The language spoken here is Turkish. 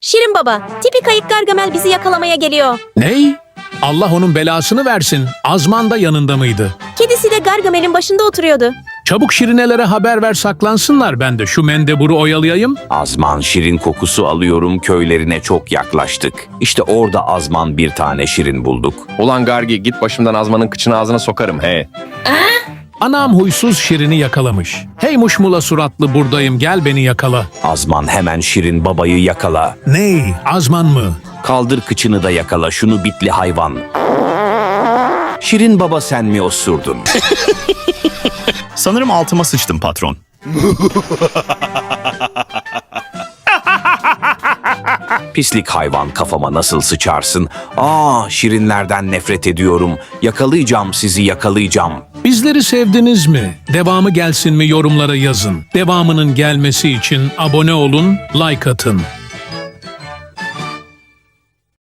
Şirin baba, tipi kayık Gargamel bizi yakalamaya geliyor. Ney? Allah onun belasını versin. Azman da yanında mıydı? Kedisi de Gargamel'in başında oturuyordu. Çabuk Şirinelere haber ver, saklansınlar, ben de şu mendeburu oyalayayım. Azman şirin kokusu alıyorum, köylerine çok yaklaştık. İşte orada Azman bir tane şirin bulduk. Ulan Gargi, git başımdan Azman'ın kıçını ağzına sokarım he. Anam huysuz Şirin'i yakalamış. Hey muşmula suratlı, buradayım, gel beni yakala. Azman hemen şirin babayı yakala. Ney? Azman mı? Kaldır kıçını da yakala şunu bitli hayvan. Şirin baba sen mi osurdun? Sanırım altıma sıçtım patron. Pislik hayvan, kafama nasıl sıçarsın? Şirinlerden nefret ediyorum. Yakalayacağım sizi, yakalayacağım. Bizleri sevdiniz mi? Devamı gelsin mi, yorumlara yazın. Devamının gelmesi için abone olun, like atın.